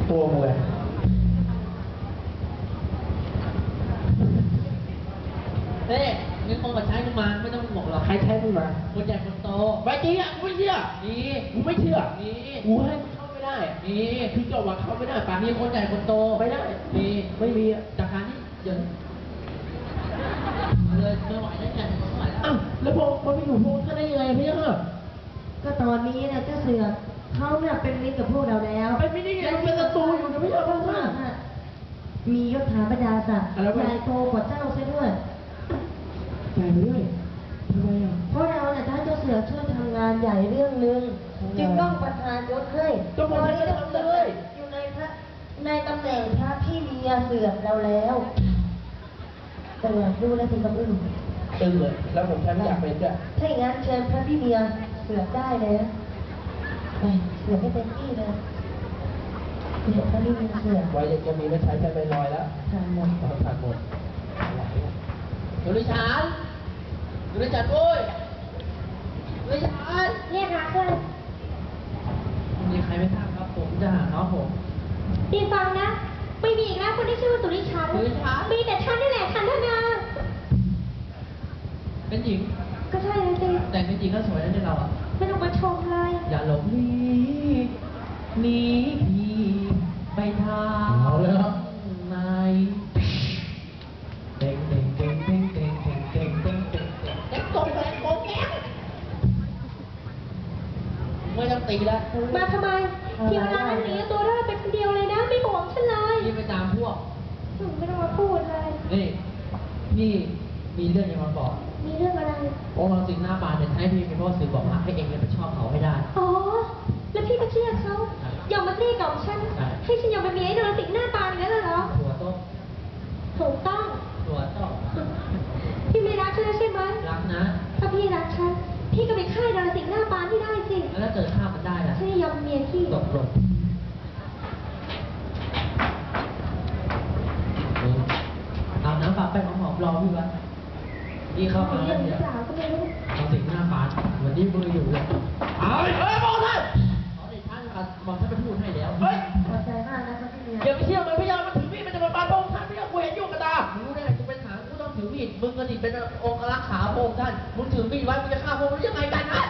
ตัวมึงเลยเฮ้ยมีคนมาใช้มึงมาไม่ต้องบอกหรอกใครใช้มึงมาคนใหญ่คนโตไม่จริงอ่ะกูไม่เชื่อนี่กูไม่เชื่อนี่กูให้มึงเข้าไม่ได้นี่คือเจ้าว่าเข้าไม่ได้ป่ะมีคนใหญ่คนโตไม่ได้นี่ไม่มีอ่ะจากการที่เดี๋ยวเลยไม่ไหวแล้วเนี่ยไม่ไหวแล้วอ้าวแล้วพอไปอยู่พวกท่านได้ยังไงพี่เจ้าก็ตอนนี้เนี่ยเจ้าเสือกเขาเนี่ยเป็นมิตรกับพวกเราแล้วเป็นมิตรได้ไงมันเป็นศัตรูอยู่นะพี่เจ้าค่ะมียศถาบรรดาศักดิ์อะไรวะใหญ่โตกว่าเจ้าซะด้วยใหญ่ไปด้วยทำไมอ่ะเพราะเราเนี่ยถ้าเจ้าเสือกช่วยทำงานใหญ่เรื่องหนึ่งจึงต้องประทานยศให้ก็บอกให้ทำเลยอยู่ในตำแหน่งพระพี่เมียเสือกเราแล้วเสือกดูแลถึงกับอึ้งตึงเลยแล้วผมแค่ไม่อยากเป็นด้วยถ้าอย่างนั้นเชิญพระพี่เมียเสือกได้เลยนะไปเสือกให้เต็มที่เลยเสือกพระพี่เมียเสือกไว้จะมีไม่ใช้ใช้ไปลอยแล้วทานหมดผ่านหมดไหวอ่ะดูดิฉันดูดิฉันโว้ยดูดิฉันเรียกหาเพื่อนมีใครไม่ทราบครับผมจะหาน้องผมดีฟังนะ ไม่มีอีกแล้วคนที่ชื่อว่าสุริชันสุริชันมีแต่ฉันนี่แหละฉันธนาเป็นหญิงก็ใช่เลยสิแต่งเป็นหญิงก็สวยนะเนี่ยเราอ่ะไม่ต้องมาชมเลยอย่าหลงหนีพี่ไปทางเอาเลยครับไหนเด้งเด้งเด้งเด้งเด้งเด้งเด้งเด้งเด้งเด้งตรงไปโกงแก๊งไม่ต้องตีแล้วมาทำไม ทีเวลานั้นหนีตัวได้เป็นคนเดียวเลยนะ ไม่ห่วงฉันเลยพี่ไปตามพวกไม่ต้องมาพูดเลยนี่พี่มีเรื่องจะมาบอกมีเรื่องอะไรองค์เราสิงห์หน้าบานเนี่ยให้พี่เป็นพ่อสื่อบอกรักให้เองเลยไปชอบเขาให้ได้อ๋อ แล้วพี่ก็เชื่อเขายอมมาเกลี้ยกล่อมฉันใช่ให้ฉันยอมไปมีไอ้โดนสิงหน้าตาอย่างนั้นเหรอตัวโต้ถูกต้องตัวโต้พี่ไม่รักฉันแล้วใช่ไหมรักนะถ้าพี่รักฉัน พี่ก็ไปฆ่าดาราสิงห์หน้าปานที่ได้สิแล้วถ้าเกิดฆ่ามันได้ล่ะฉันจะยอมเมียพี่ตกลงเอาน้ำปลาไปหอมๆรอพี่ไว้พี่เข้ามาเรื่แล้อวงหเนี่รืยอเปล่าก็ไม่รู้เราสิงหน้าบานวันนี้มืออยู่เลยเอาเฮ้ยบอกเลยขอเดชะนะครับบอกท่านไปพูดให้แล้วเฮ้ยขอบใจมากนะครับพี่เมียอย่าไปเชื่อมันพี่เจ้ามันถือมีดมันจะมาปาพงท่านพี่เจ้ากูเห็นอยู่กับตารู้ได้กูเป็นทหารกูต้องถือมีดมึงก็ดิเป็นองค์รักขาพระองค์ท่านมึงถือมีดไว้มึงจะฆ่าพระองค์ได้ยังไงกันนะ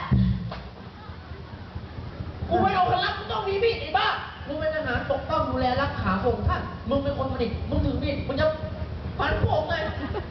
กูไม่เอาพลังกูต้องมีมีดไอ้บ้ามึงเป็นทหารปกป้องดูแลรักขาพระองค์ท่านมึงเป็นคนผลิตมึงถือมีดมึงจะฟันพระองค์ไง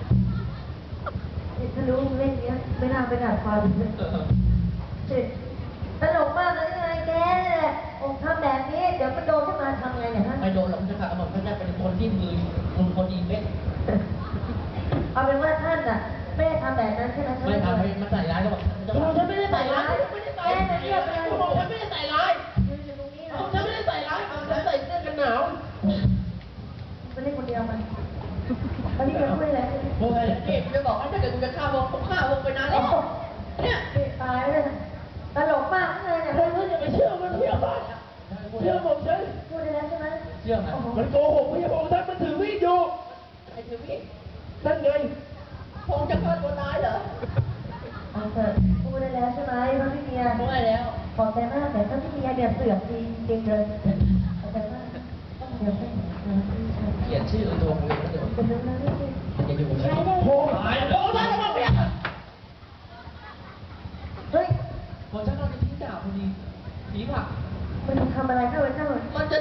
ถ้ารู้มึงเล่นเนี้ยไม่น่าไปด่าควายเลยเจ็ดตลกมากเลยไงแกเนี่ยองค์ทำแบบนี้เดี๋ยวมันโดนขึ้นมาทำไงเนี่ยฮะไม่โดนหรอกจะขาดหมดท่านเป็นคนที่มือมึงคนดีเม็ดเอาเป็นว่าท่านอ่ะไม่ได้ทำแบบนั้นใช่ไหมไม่ทำให้มันใส่ร้ายก็บอกฉันไม่ได้ใส่ร้ายไม่ได้ใส่ร้ายกูบอกฉันไม่ได้ใส่ร้ายยืนอยู่ตรงนี้เหรอฉันไม่ได้ใส่ร้ายฉันใส่เสื้อกันหนาวไม่ได้คนเดียวมันตอนนี้เป็นด้วยอะไรเฮ้ยนี่กูจะบอกว่าถ้าเกิดกูจะฆ่าวงผมฆ่าวงไปนานแล้วเนี่ยตายเลยตลกมากเลยเนี่ยเฮ้ยอย่าไปเชื่อมันเชื่อบ้าเชื่อผมฉันพูดได้แล้วใช่ไหมเชื่อไหมมันโกหกพี่บอกท่านมันถือมีดอยู่ไอ้ถือมีดนั่นไงพงจะฆ่าตัวตายเหรอเอาเถอะพูดได้แล้วใช่ไหมพระพี่เมียไม่ได้แล้วขอบใจมากแต่พระพี่เมียเนี่ยเสือกจริงเลยขอบใจมากเดี๋ยวให้เขียนชื่อตัวมึงแล้วเดี๋ยวเป็นเรื่องนั้นสิอย่าอยู่นะใช้ได้โอ้ยโอ้ยท่านมาเปลี่ยนเฮ้ยผมจะนอนในทิ้งดาบพอดีผีผักมันทำอะไรเข้าไปเข้ามันจะ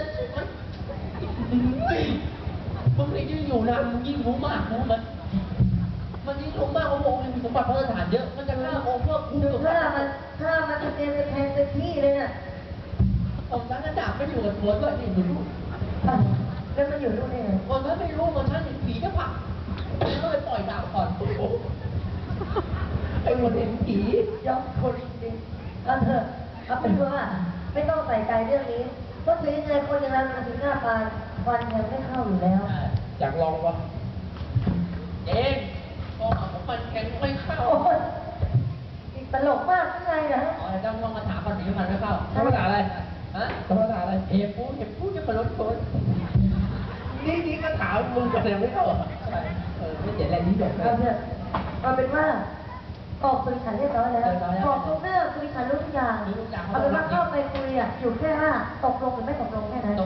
มึงยิ่งอยู่นานมึงยิ่งรู้มากนะมันยิ่งรู้มากว่าองค์มีสมบัติพระสถานเยอะมันจะฆ่าองค์เพื่อคุ้มดูกับถ้ามันจะเตรียมแทงเต็มที่เลยน่ะองค์นั้นดาบไม่อยู่กับหัวด้วยนี่มึงรู้แล้วมันอยู่นู่นได้ไงองค์นั้นไม่รู้มันท่านเห็นผีจะผักก็เลยปล่อยดาบก่อนไอ้คนเห็นผียอมคนจริงเอาเถอะเอาเป็นว่าไม่ต้องใส่ใจเรื่องนี้เพราะถึงยังไงคนอย่างเรามันถึงหน้าปานวันยังไม่เข้าอยู่แล้วอยากลองวะเองก็เอาของมันแข็งไม่เข้าโอ้ยตลกมากข้างในนะอ๋อต้องมาถามก่อนถึงมันไม่เข้าธรรมดาอะไรฮะธรรมดาอะไรเห็บพูดจะมาลดคนนี่ก็ถามมึงก็ยังไม่เข้าอ่ะไม่เจ๋งอะไรนี่จบเอาเถอะเอาเป็นว่าออกคุยขันเรียบร้อยแล้วเรียบร้อยแล้วบอกทุกเรื่องคุยขันรู้ทุกอย่างรู้ทุกอย่างเอาเป็นว่าเข้าไปคุยอ่ะอยู่แค่ว่าตกลงหรือไม่ตกลงแค่นั้นตก